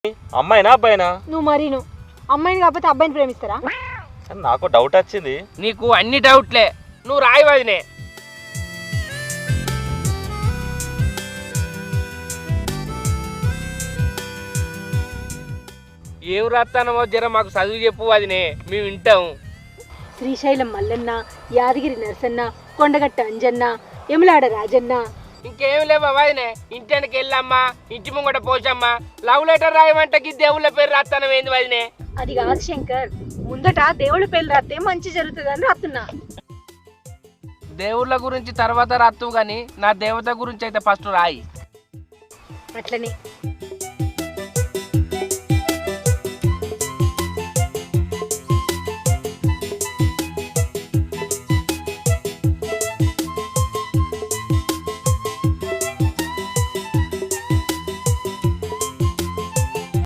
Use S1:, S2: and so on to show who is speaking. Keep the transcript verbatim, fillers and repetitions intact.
S1: అమ్మాయినా అబ్బాయినా?
S2: నువ్వు మరి నువ్వు అమ్మాయిని కాకపోతే అబ్బాయిని ప్రేమిస్తారా?
S1: నాకు డౌట్ వచ్చింది.
S3: నీకు అన్ని డౌట్లే, నువ్వు రాయి వదినే. ఏం రాస్తానమో జర మాకు చదువు చెప్పు వదినే, మేము వింటాం.
S2: శ్రీశైలం మల్లన్న, యాదగిరి నరసన్న, కొండగట్ట అంజన్న, ఎములాడ రాజన్న.
S3: ఇంకేం లేవా వదినే? ఇంటికి వెళ్ళమ్మా, ఇంటి ముంగట పోసమ్మా, లవ్ లెటర్ రాయమంటకి దేవుళ్ళ పేరు రాస్తానం ఏంది వదినే?
S2: అది కాదు శంకర్, ముందట దేవుళ్ళ పేర్లు రాస్తే మంచి జరుగుతుందని రాస్తున్నా.
S3: దేవుళ్ళ గురించి తర్వాత రాస్తావు కానీ నా దేవత గురించి అయితే ఫస్ట్ రాయి.
S2: అట్లనే